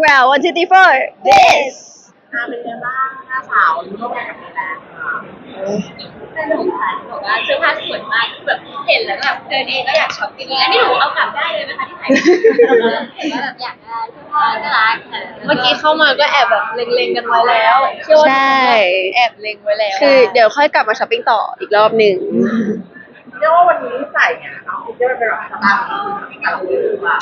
เรา one two three four this เป็นไงบ้างหน้าสาวร่วมงานกับพี่แบงค์สนุกค่ะบอกว่าเสื้อผ้าสวยมากคือแบบเห็นแล้วแบบเดินเองก็อยากช็อปจริงๆอันนี้หนูเอากลับได้เลยไหมคะที่ไทยเห็นว่าแบบอยากได้เสื้อผ้าน่ารักเมื่อกี้เข้ามาก็แอบแบบเล็งๆกันไว้แล้วใช่แอบเล็งไว้แล้วคือเดี๋ยวค่อยกลับมาช้อปปิ้งต่ออีกรอบหนึ่งเรียกว่าวันนี้ใส่เนี่ยเอาคิดว่าเป็นแบบสไตล์กับเราหรือเปล่า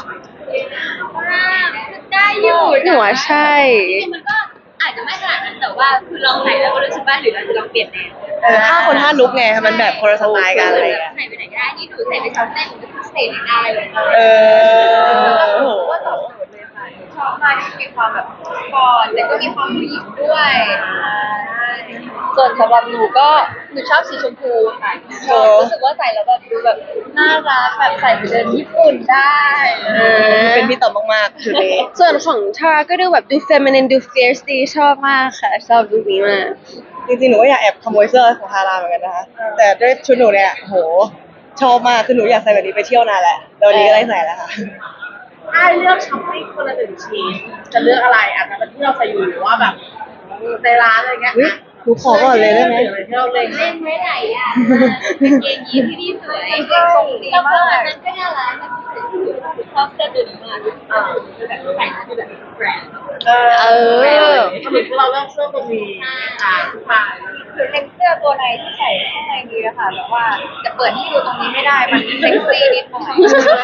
ได้อยู่หนูว่าใช่จริงๆมันก็อาจจะไม่ขนาดนั้นแต่ว่าคือลองใส่แล้วก็รู้สึกว่าหรือเราจะลองเปลี่ยนแนวถ้าคนห้าลุกไงมันแบบคนละสไตล์กันอะไรใส่ไปไหนก็ได้นี่หนูใส่ไปซ้อมเต้นหนูก็ใส่ได้เลยโอ้โหว่าตอบโจทย์เลยค่ะชอบมากที่มีความแบบก่อนแต่ก็มีความผู้หญิงด้วยส่วนสำหรับหนูก็หนูชอบสีชมพูค่ะรู้สึกว่าใส่แล้วแบบดูแบบน่ารักแบบใส่ไปเดินญี่ปุ่นได้เป็นพี่ต่อมากๆคือนี้ส่วนของทาก็ดูแบบดู feminine ดู fierce ดีชอบมากค่ะชอบลุคนี้มากจริงๆหนูก็อยากแอบขโมยเสื้อของฮาราเหมือนกันนะคะแต่ด้วยชุดหนูเนี่ยโหชอบมากคือหนูอยากใส่แบบนี้ไปเที่ยวนานแหละแล้ววันนี้ก็ได้ใส่แล้วค่ะถ้าเลือกช้อปปิ้งคนละ1ชิ้นจะเลือกอะไรอาจจะเป็นที่เราใส่อยู่หรือว่าแบบในร้านอะไรเงี้ยหนูขอก่อนเลยได้ไหมที่เราเล่นไว้ไหนอ่ะเกงยีนที่นี่สวยทรงดีมากนั้นก็น่ารักชอบเสื้อตัวนี้มากแบบใส่ที่แบบแบรนด์ทำไมเราเลือกเสื้อตัวนี้ค่ะคือเล็กเสื้อตัวในที่ใส่ข้างในนี้นะคะแบบว่าจะเปิดให้ดูตรงนี้ไม่ได้มันเซ็กซี่นิดหน่อย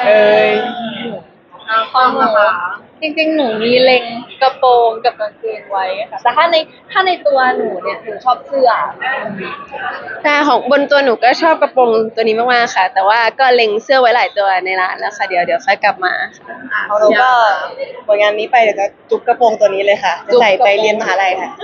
ความนะคะจริงๆหนูมีเล็งกระโปรงกับกางเกงไว้ค่ะแต่ถ้าในตัวหนูเนี่ยหนูชอบเสื้อแต่ของบนตัวหนูก็ชอบกระโปรงตัวนี้มากๆค่ะแต่ว่าก็เล็งเสื้อไว้หลายตัวในร้านแล้วค่ะเดี๋ยวค่อยกลับมาเอาเราก็ผลงานนี้ไปเดี๋ยวจะจุกกระโปรงตัวนี้เลยค่ะจะใส่ไปเรียนมหาลัยค่ะ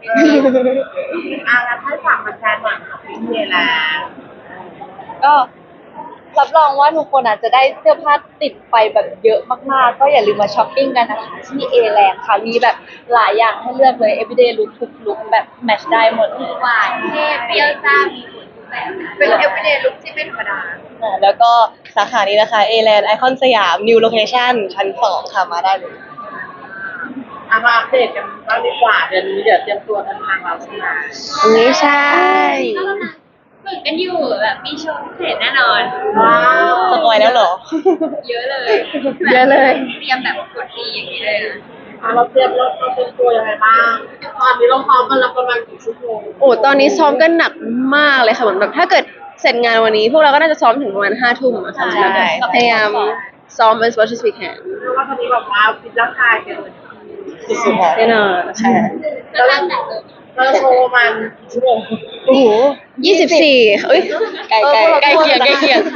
งั้นให้ฝากมาแชร์หน่อยค่ะพี่เมย์แล้วก็รับรองว่าทุกคนอาจจะได้เสื้อผ้าติดไปแบบเยอะมากๆก็อย่าลืมมาช้อปปิ้งกันนะคะที่เอแลนด์ค่ะมีแบบหลายอย่างให้เลือกเลย everyday look ทุกลุคแบบแมทช์ได้หมดเลยหวานเท่เปรี้ยวซ่ามีหมดทุกแบบเป็น everyday look ที่ไม่ธรรมดาแล้วก็สาขานี้นะคะเอแลนด์ไอคอนสยาม new location ชั้น2ค่ะมาได้เลยมาอัปเดตกันบ้างดีกว่าเดือนนี้เดี๋ยวเตรียมตัวเดินทางเราใช่ไหมนี่ใช่ฝึกกันอยู่แบบมีโชว์พิเศษแน่นอนว้าวสปอยแล้วเหรอเยอะเลยเตรียมแบบกดดีอย่างนี้เลยเราเตรียมตัวยังไงบ้างตอนนี้เราซ้อมกันแล้วประมาณกี่ชั่วโมงโอ้ตอนนี้ซ้อมกันหนักมากเลยค่ะเหมือนแบบถ้าเกิดเสร็จงานวันนี้พวกเราก็น่าจะซ้อมถึงประมาณ5 ทุ่มอะค่ะพยายามซ้อม as much as we can เพราะว่าตอนนี้แบบว่าฟิตร่างกายกันเลยสุดๆแน่นอนใช่แล้วเราโชว์มันชั่วโมงโอ้โห24เอ้ยใกล้เคียงเกือบ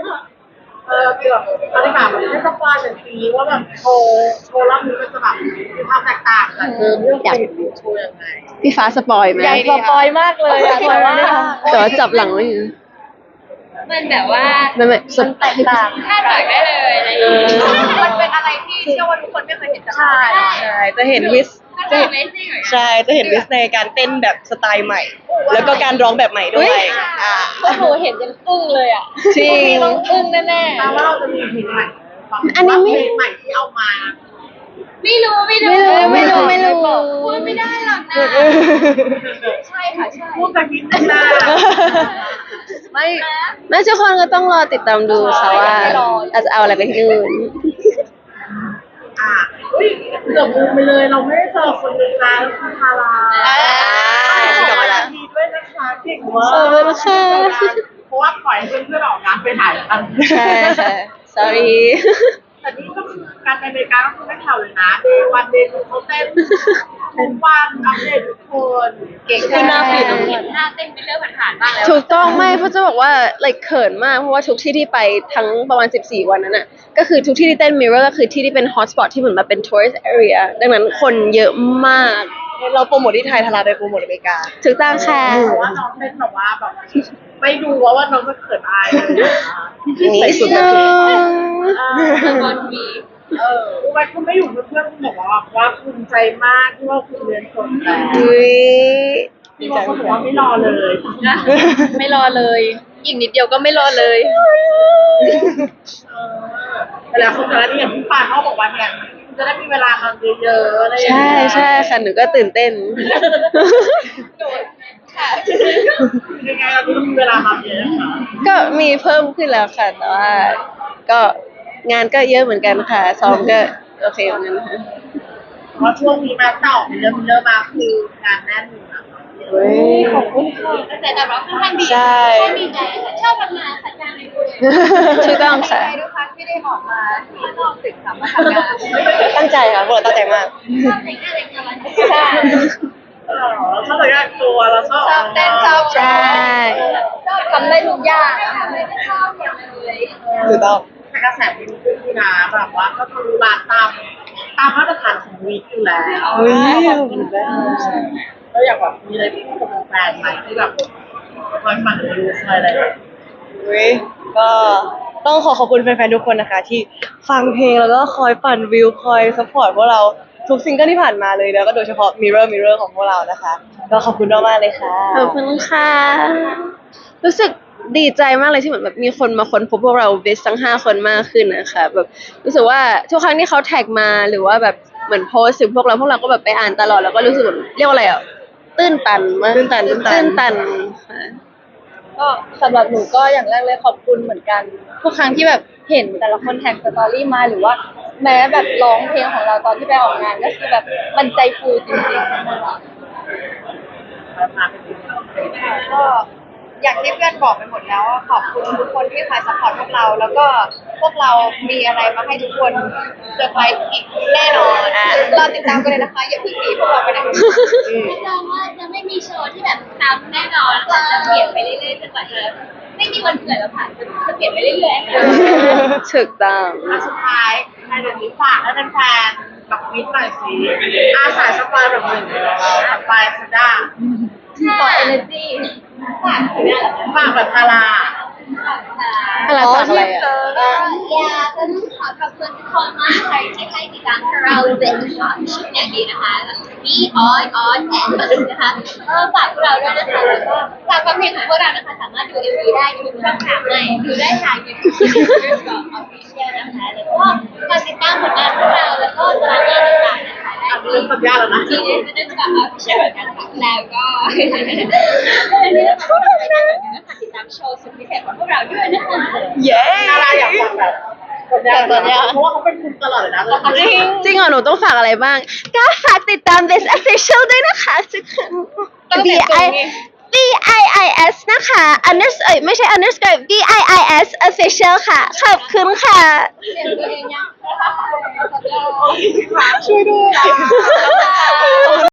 ตอนนี้แบบให้สปอยถึงปีว่าแบบโชว์รอบนี้มันจะแบบมีความแตกต่างจากเรื่องโชว์ยังไงพี่ฟ้าสปอยไหมอยากสปอยมากเลยแต่ว่าจับหลังไม่อยู่มันแบบว่าไม่มันแตกต่างคาดหวังได้เลยอะไรอย่างเงี้ยมันเป็นอะไรที่เชื่อว่าทุกคนไม่เคยเห็นจากเราใช่จะเห็นวิสใช่จะเห็นวิสในการเต้นแบบสไตล์ใหม่แล้วก็การร้องแบบใหม่ด้วยพวกหนูเห็นยังอึ้งเลยอ่ะจริงต้องอึ้งแน่ๆว่าเราจะมีเพลงใหม่อันนี้เพลงใหม่ที่เอามาไม่รู้พูดไม่ได้หรอกนะใช่ค่ะใช่พูดจากนิดนึงนะไม่ทุกคนก็ต้องรอติดตามดูค่ะว่าอาจจะเอาอะไรไปที่นู่นเกือบลืมไปเลยเราไม่ได้เจอคนนึงนะคุณทารากลับมาแล้วดีด้วยนะคะเก่งมากเพราะว่าปล่อยเพื่อนๆออกงานไปถ่ายกันใช่ค่ะ sorry แต่นี่ก็คือการไปอเมริกาก็คือไม่แผ่วเลยนะเดย์วันเดย์ทูเขาเต้นทุกวันอัปเดตทุกคนเก่งขึ้นหน้าฟีดเห็นหน้าเต้นเป็นเรื่องผ่านๆบ้างแล้วถูกต้องไม่เพราะจะบอกว่า like เขินมากเพราะว่าทุกที่ที่ไปทั้งประมาณ14 วันนั้นน่ะก็คือทุกที่ที่เต้น mirror ก็คือที่ที่เป็น hotspot ที่เหมือนมาเป็น tourist area ดังนั้นคนเยอะมากเราโปรโมทที่ไทยทาราไปโปรโมทอเมริกาถูกต้องค่ะเพราะว่าน้องเต้นแบบว่าแบบไม่ดูว่าน้องจะเขินอายเลยใส่สุดเลยวันทีวันคุณไม่อยู่เพื่อนคุณบอกว่าภูมิใจมากที่ว่าคุณเรียนจบแล้วที่ว่าคุณบอกว่าไม่รอเลยไม่รอเลยอีกนิดเดียวก็ไม่รอเลยแต่แล้วคนแต่ละนี่อย่างพี่ปานเขาบอกว่าเนี่ยจะได้มีเวลาทำเยอะๆอะไรอย่างใช่เงี้ยใช่ค่ะหนูก็ตื่นเต้นยังไงเราต้องมีเวลาทำเยอะค่ะก็มีเพิ่มขึ้นแล้วค่ะ แต่ว่าก็งานก็เยอะเหมือนกันค่ะซ้อมก็โอเคเหมือนกันค่ะเพราะช่วงนี้มาต่อมีเริ่มมาคืองานแน่นอยู่นะเฮ้ยขอบคุณค่ะกระแสตอบรับค่อนข้างดีใช่ค่อนข้างดีใจค่ะชอบทำงานค่ะจ้างในด้วยถูกต้องค่ะทุกครั้งที่ได้ออกมาที่นอกตึกสามารถทำงานตั้งใจค่ะพวกเราตั้งใจมากชอบแต่งหน้าแต่งตัวใช่ชอบแต่งงานตัวแล้วชอบชอบเต้นชอบใช่ชอบทำได้ทุกอย่างไม่ได้ชอบอย่างเลยถูกต้องแต่กระแสวิวขึ้นนะแบบว่าก็คือร้านตามมาตรฐานของวีคอยู่แล้วเฮ้ยขอบคุณมากก็อยากแบบมีอะไรพูดกับแฟนไหมที่แบบคอยฟังรีวิวคอยอะไรแบบเว้ยก็ต้องขอบคุณแฟนๆทุกคนนะคะ ที่ฟังเพลงแล้วก็คอยปั่นวิวคอยซัพพอร์ตพวกเราทุกซิงเกิลที่ผ่านมาเลยแล้วก็โดยเฉพาะ Mirror ของพวกเรานะคะก็ขอบคุณมากๆเลยค่ะขอบคุณค่ะ รู้สึกดีใจมากเลยที่เหมือนแบบมีคนมาค้นพบพวกเราเบสทั้ง5 คนมากขึ้นนะคะแบบรู้สึกว่าทุกครั้งที่เขาแท็กมาหรือว่าแบบเหมือนโพสต์ถึงพวกเราก็แบบไปอ่านตลอดแล้วก็รู้สึกแบบเรียกว่าอะไรอ่ะตื้นตันมากตื้นตันค่ะก็สำหรับหนูก็อย่างแรกเลยขอบคุณเหมือนกัน ทุกครั้งที่แบบเห็นแต่ละคนแท็กสตอรี่มาหรือว่า แม้แบบร้องเพลงของเราตอนที่ไปออกงานก็คือแบบมันใจฟูจริงๆนะคะมาเป็นก็อย่างที่เพื่อนบอกไปหมดแล้วว่าขอบคุณทุกคนที่คอยซัพพอร์ตพวกเรา แล้วก็พวกเรามีอะไรมาให้ทุกคนเซอร์ไพรส์อีกแน่นอนรอติดตามกันเลยนะคะอย่าเพิ่งหนีพวกเราไปไหนรับรองว่าจะไม่มีโชว์ที่แบบซ้ำแน่นอนค่ะจะเปลี่ยนไปเรื่อยๆจนกว่าจะไม่มีวันเกิดแล้วค่ะจะเปลี่ยนไปเรื่อยๆค่ะถูกต้องสุดท้ายในเดือนนี้ฝากให้แฟนๆแบบมิตรหน่อยสิอาสาสปายแบบหนึ่งสปายสด้าขอ energy ฝากแบบพาราอะไรฝากอะไรอ่ะอยากจะขอขอบคุณทุกคนมากเลยที่ให้ติดตามเราเป็นชุดอย่างนี้นะคะมีออนแอนนะคะฝากพวกเราด้วยนะคะแล้วก็ฝากความเพลงของพวกเรานะคะสามารถดู MV ได้ทุกช่องทางเลยดูได้ทาง YouTube Official นะคะแล้วก็ฝากติดตามผลงานพวกเราแล้วก็ตารางงานต่างๆนะคะได้ที่สัญญาแล้วนะที่ Official เหมือนกันค่ะแล้วก็นี่นะคะก็ไปได้เหมือนกันนะคะติดตามโชว์สุดพิเศษของพวกเราด้วยนะคะเย้ดาราอยากฟังแบบสัญญาเพราะว่าเขาเป็นคุณตลอดเลยนะจริงเหรอหนูต้องฝากอะไรบ้าง ก็ฝากติดตาม This Official ด้วยนะคะทุกคน VIIS นะคะ ไม่ใช่ underscore VIIS Official ค่ะ ขอบคุณค่ะเปลี่ยนตัวเองยังช่วยด้วย